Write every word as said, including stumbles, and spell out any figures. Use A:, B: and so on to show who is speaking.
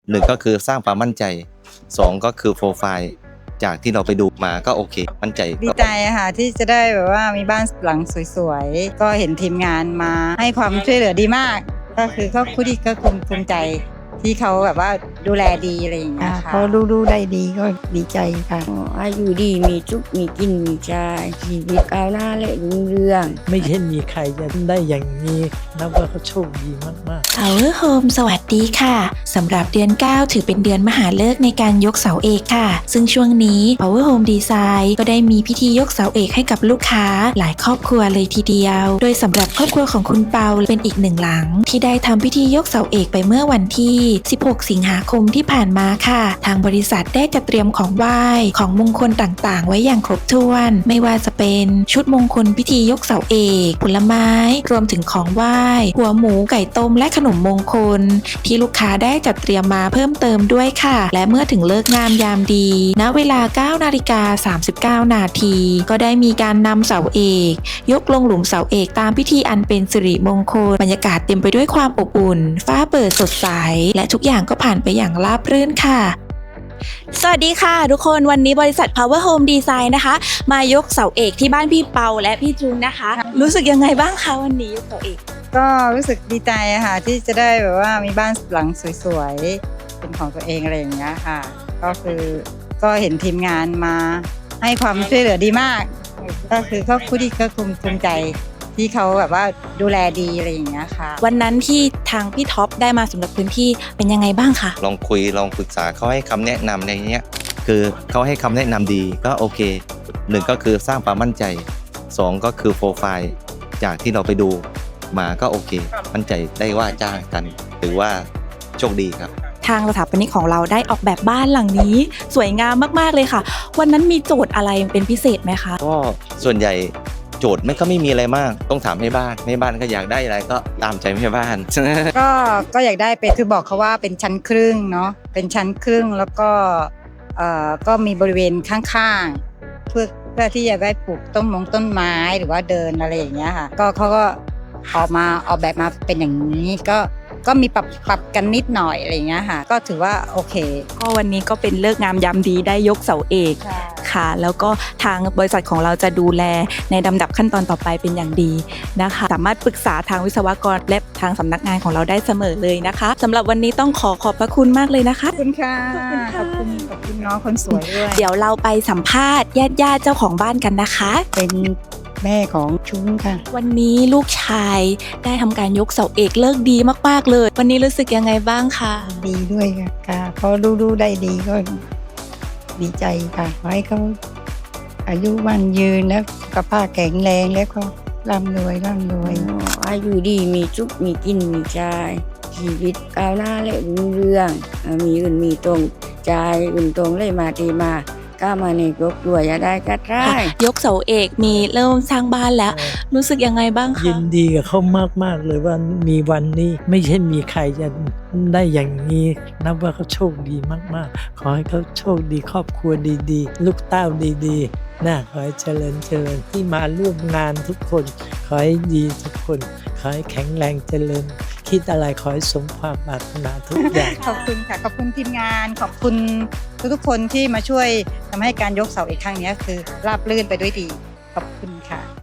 A: หนึ่งก็คือสร้างความมั่นใจสองก็คือโปรไฟล์จากที่เราไปดูมาก็โอเคมั่นใจ
B: ดีใจค่ะที่จะได้แบบว่ามีบ้านหลังสวยๆก็เห็นทีมงานมาให้ความช่วยเหลือดีมากก็คือก็คุดีก็ภูมิใจที่เขาแบบว่าดูแลดีอะไรอย่างเงี้ยค่ะ
C: เขาดูดูได้ดีก็ดีใจค่ะ
D: อายุดีมีจุกมีกินมีใจชีวิตก้าวหน้าและรุ่งเรือง
E: ไม่ใช่มีใครจะได้อย่างนี้นับว่าเขาโชคดีมากๆ
F: Power Home สวัสดีค่ะสำหรับเดือนเก้าถือเป็นเดือนมหาฤกษ์ในการยกเสาเอกค่ะซึ่งช่วงนี้ Power Home Design ก็ได้มีพิธียกเสาเอกให้กับลูกค้าหลายครอบครัวเลยทีเดียวโดยสำหรับครอบครัวของคุณเปาเป็นอีกหนึ่งหลังที่ได้ทำพิธียกเสาเอกไปเมื่อวันที่สิบหกสิงหาคมที่ผ่านมาค่ะทางบริษัทได้จัดเตรียมของไหว้ของมงคลต่างๆไว้อย่างครบถ้วนไม่ว่าจะเป็นชุดมงคลพิธียกเสาเอกผลไม้รวมถึงของไหว้หัวหมูไก่ต้มและขนมมงคลที่ลูกค้าได้จัดเตรียมมาเพิ่มเติมด้วยค่ะและเมื่อถึงเลิกงามยามดีณเวลา เก้านาฬิกาสามสิบเก้านาทีก็ได้มีการนำเสาเอกยกลงหลุมเสาเอกตามพิธีอันเป็นสิริมงคลบรรยากาศเต็มไปด้วยความอบอุ่นฟ้าเปิดสดใสและทุกอย่างก็ผ่านไปอย่างราบรื่นค่ะสวัสดีค่ะทุกคนวันนี้บริษัท Power Home Design นะคะมายกเสาเอกที่บ้านพี่เปาและพี่จุนนะคะรู้สึกยังไงบ้างคะวันนี้ยกเสาเอก
B: ก็รู้สึกดีใจค่ะที่จะได้แบบว่ามีบ้านหลังสวยๆเป็นของตัวเองอะไรอย่างเงี้ยค่ะก็คือก็เห็นทีมงานมาให้ความช่วยเหลือดีมากก็คือก็คุดีก็ภูมิใจที่เขาแบบว่าดูแลดีอะไรอย่างเงี้ยค่ะ
F: วันนั้นที่ทางพี่ท็อปได้มาสำรวจพื้นที่เป็นยังไงบ้างคะ
A: ลองคุยลองปรึกษาเขาให้คำแนะนำในเนี้ยคือเขาให้คำแนะนำดีก็โอเคหนึ่งก็คือสร้างความมั่นใจสองก็คือโปรไฟล์จากที่เราไปดูมาก็โอเคมั่นใจได้ว่าจ้างกันหรือว่าโชคดีครับ
F: ทางสถาปนิกของเราได้ออกแบบบ้านหลังนี้สวยงามมากๆเลยค่ะวันนั้นมีโจทย์อะไรเป็นพิเศษไหมคะ
A: ก็ส่วนใหญ่โจทย์ไม่ก็ไม่มีอะไรมากต้องถามให้บ้านให้บ้านก็อยากได้อะไรก็ตามใจให้บ้าน
B: ก็ก็อยากได้เป็นคือบอกเขาว่าเป็นชั้นครึ่งเนาะเป็นชั้นครึ่งแล้วก็เอ่อก็มีบริเวณข้างๆเพื่อเพื่อที่จะได้ปลูกต้นมงต้นไม้หรือว่าเดินอะไรอย่างเงี้ยค่ะก็เขาก็ออกมาออกแบบมาเป็นอย่างนี้ก็ก็มีปรับปรับกันนิดหน่อยอะไรอย่างเงี้ยค่ะก็ถือว่าโอเค
F: ก็วันนี้ก็เป็นเลิกงามยามดีได้ยกเสาเอกค่ะแล้วก็ทางบริษัทของเราจะดูแลในลำดับขั้นตอนต่อไปเป็นอย่างดีนะคะสามารถปรึกษาทางวิศวกรและทางสำนักงานของเราได้เสมอเลยนะคะสำหรับวันนี้ต้องขอขอบพระคุณมากเลยนะคะ
B: ขอบคุณค่ะขอบคุณขอบคุณน้องคนสวยด้วย
F: เดี๋ยวเราไปสัมภาษณ์ญาติญาติเจ้าของบ้านกันนะคะ
C: เป็นแม่ของชุ้งค่ะ
F: วันนี้ลูกชายได้ทำการยกเสาเอกเลิกดีมากๆเลยวันนี้รู้สึกยังไงบ้างคะ
C: ดีด้วยค่ะค่ะพอดูดูได้ดีก็ดีใจค่ะขอให้เขาอายุวันยืนแล้วสุขภาพแข็งแรงแล้วก็ร่ำรวยร่ำรวย
D: อายุดีมีจุกมีกินมีใจชีวิตก้าวหน้าและรุ่งเรืองมีอื่นมีตรงใจอื่นตรงเลยมาทีมาก้ามาในยกด้วยอย่าได้ก็ได้
F: ยกเสาเอกมีเริ่มสร้างบ้านแล้วรู้สึกยังไงบ้างคะ
E: ยินดีกับเขามากๆเลยว่ามีวันนี้ไม่ใช่มีใครจะได้อย่างนี้นับว่าเขาโชคดีมากๆขอให้เขาโชคดีครอบครัวดีๆลูกเต้าดีๆน่าขอให้เจริญเจริญที่มาร่วมงานทุกคนขอให้ดีทุกคนขอให้แข็งแรงเจริญคิดอะไรขอให้สมความปรารถนาทุกอย่าง
B: ขอบคุณค่ะขอบคุณทีมงานขอบคุณทุกๆคนที่มาช่วยทำให้การยกเสาเอกครั้งนี้คือราบรื่นไปด้วยดีขอบคุณค่ะ